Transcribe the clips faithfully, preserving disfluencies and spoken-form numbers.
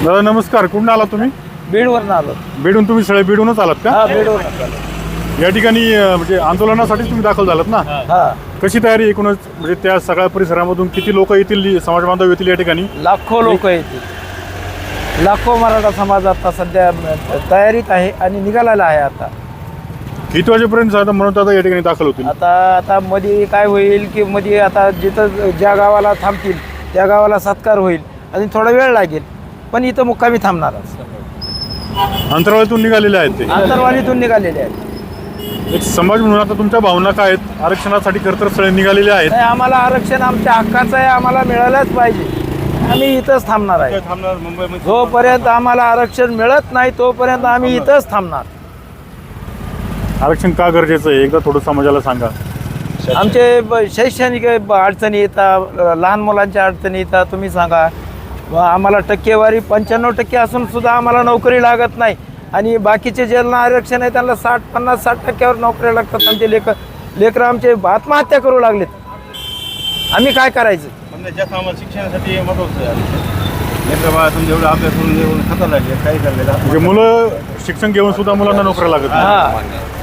दादा नमस्कार, कुठून आलात तुम्ही? बीडवरून आलो. बीडून तुम्ही सगळे बीडूनच आलात का? हा, बीडवरून आलो. या ठिकाणी अं, म्हणजे आंदोलनासाठी तुम्ही दाखल झालात ना? हा, कशी तयारी एकूणच, म्हणजे त्या सगळ्या परिसरामधून किती लोक येतील, समाज बांधव येतील या ठिकाणी? लाखो लोक येतील. लाखो मराठा समाज आता सध्या तयारीत आहे आणि निघालेला आहे. आता किती वाजेपर्यंत साधा म्हणून आता या ठिकाणी दाखल होतील? आता आता मध्ये काय होईल की मध्ये आता जिथं ज्या गावाला थांबतील त्या गावाला सत्कार होईल आणि थोडा वेळ लागेल, पण इथं मुक्कामी थांबणारच. अंतराळातून निघालेले आहेत ते, अंतरवालीतून निघालेले आहेत. एक समाज म्हणून आता तुमच्या भावना काय आहेत? आरक्षणासाठी खरं तर सगळे निघालेले आहेत. नाही, आम्हाला आरक्षण आमच्या हक्काचं आहे, आम्हाला मिळालंच पाहिजे. आम्ही इथंच थांबणार आहे. जोपर्यंत आम्हाला आरक्षण मिळत नाही तोपर्यंत आम्ही इथंच थांबणार. आरक्षण का गरजेचं आहे एकदा थोडं समाजाला सांगा. आमचे ब- शैक्षणिक ब- अडचणी येतात, लहान मुलांच्या अडचणी येतात. तुम्ही सांगा, व आम्हाला टक्केवारी पंच्याण्णव टक्के असून सुद्धा आम्हाला नोकरी लागत नाही आणि बाकीचे ज्यांना आरक्षण आहे त्यांना साठ पन्नास साठ टक्क्यावर नोकऱ्या लागतात. आमचे लेकर लेकरं आमचे आत्महत्या करू लागलेत. आम्ही काय करायचं? शिक्षणासाठी महत्वाचं आहे. जेवढं अभ्यास करून जेवढं खाता लागले काही करलेलं म्हणजे मुलं शिक्षण घेऊन सुद्धा मुलांना नोकऱ्या लागत नाही. हा,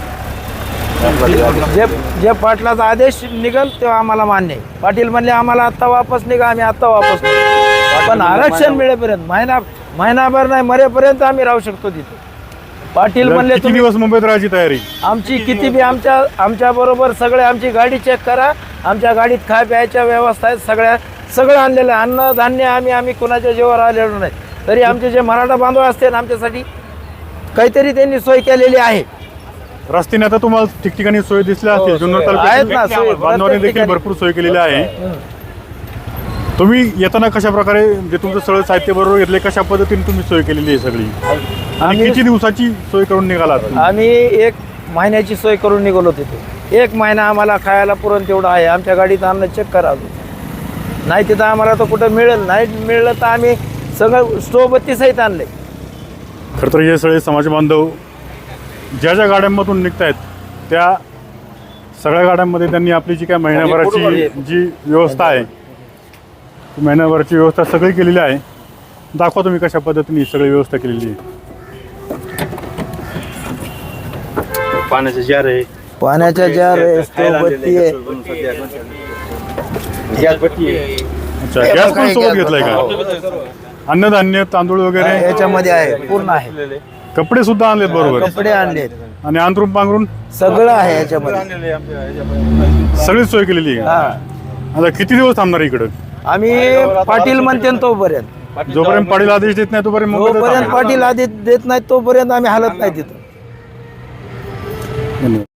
जे जे पाटलाचा आदेश निघल तेव्हा आम्हाला मान्य आहे. पाटील म्हणले आम्हाला आत्ता वापस निघा, आम्ही आत्ता वापस निघू. पण आरक्षण मिळेपर्यंत महिना महिनाभर नाही मरेपर्यंत आम्ही राहू शकतो तिथे. पाटील म्हणले किती तुम्ही दिवस मुंबईत राहायची तयारी? आमची किती बी आमच्या आमच्या बरोबर सगळे आमची गाडी चेक करा. आमच्या गाडीत खाय प्यायच्या व्यवस्था आहेत, सगळ्या सगळं आणलेलं आहे. अन्न धान्य आम्ही आम्ही कुणाच्या जीवावर आलेलो नाही. तरी आमचे जे मराठा बांधव असतील आमच्यासाठी काहीतरी त्यांनी सोय केलेली आहे. रस्त्याने आता तुम्हाला ठिकठिकाणी सोय दिसल्या असतील. जुन्नर आहेत ना तालुक्यात सोय. बांधवांनी देखील ठिकाणी. भरपूर सोय केलेली आहे. हं. तुम्ही येताना कशा प्रकारे, म्हणजे तुमचं सगळं साहित्य बरोबर घेतले, कशा पद्धतीने तुम्ही सोय केलेली आहे सगळी, आणि आम्ही- किती दिवसाची सोय करून निघालात? आम्ही एक महिन्याची सोय करून निघालो तिथे. एक महिना आम्हाला खायला पुरण तेवढं आहे. आमच्या गाडीत अन्न चेक करावं नाही तिथं आम्हाला तर कुठं मिळेल. नाही मिळलं तर आम्ही सगळं स्टोबत्ती सहित आणले. खरं तर हे सगळे समाज बांधव ज्या ज्या गाड्यांमधून निघत आहेत त्या सगळ्या गाड्यांमध्ये त्यांनी आपली जी काय महिन्याभराची जी व्यवस्था आहे ती महिन्याभराची व्यवस्था सगळी केलेली आहे. दाखवा तुम्ही कशा पद्धतीने ही सगळी व्यवस्था केलेली आहे. पाण्याचं जार आहे, पाण्याच्या जार आहे, स्टोबत्ती आहे. गॅस भट्टी आहे. अच्छा, गॅस पण सोबत घेतलाय का? अन्नधान्य, तांदूळ वगैरे याच्यामध्ये आहे, पूर्ण आहे. कपडे सुद्धा आणलेत बरोबर, कपडे आणलेत, आणि अंथरूण पांघरून सगळं आहे याच्यामध्ये. सगळीच सोय केलेली आहे. हा, आता किती दिवस थांबणार इकडं? आम्ही पाटील म्हणते न तोपर्यंत जोपर्यंत पाटील आदेश देत नाही तोपर्यंत मुंबईतच जोपर्यंत थांबायचं. पाटील आदेश देत नाही तोपर्यंत आम्ही हालत नाही तिथं. धन्यवाद.